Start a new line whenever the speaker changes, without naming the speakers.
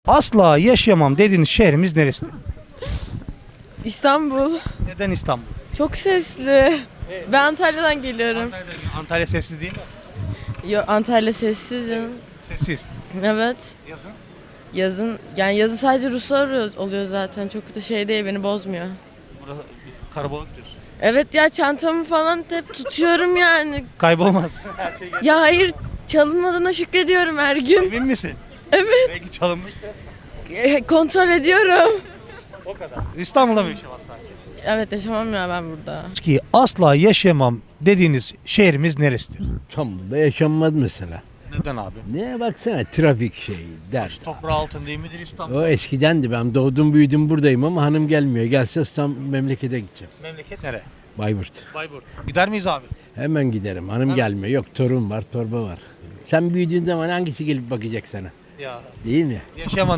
Asla yaşayamam dediğiniz şehrimiz neresidir?
İstanbul.
Neden İstanbul?
Çok sesli. Ben Antalya'dan geliyorum.
Antalya sesli değil mi?
Yo, Antalya sessiz canım.
Sessiz.
Evet.
Yazın.
Yazın sadece Ruslar oluyor zaten. Çok da şey değil, beni bozmuyor.
Burası karabalık diyorsun.
Evet ya, çantamı falan hep tutuyorum yani.
Kaybolmaz.
Ya hayır, çalınmadığına şükrediyorum her gün.
Emin misin?
Evet.
Belki çalınmıştır.
Kontrol ediyorum.
O kadar. İstanbul'da mı yaşamaz sanki?
Evet, yaşamam ya ben burada.
Ki asla yaşayamam dediğiniz şehrimiz neresidir?
İstanbul'da yaşanmaz mesela.
Neden abi?
Ne baksana trafik şeyi der.
Toprağı altın değil midir İstanbul?
O eskidendi, ben doğdum büyüdüm buradayım ama hanım gelmiyor. Gelse İstanbul memlekete gideceğim.
Memleket nere?
Bayburt.
Bayburt. Gider miyiz abi?
Hemen giderim, hanım gelmiyor. Yok, torun var, torba var. Sen büyüdüğün zaman hangisi gelip bakacak sana?
Ya
Değil mi?
yaşayamam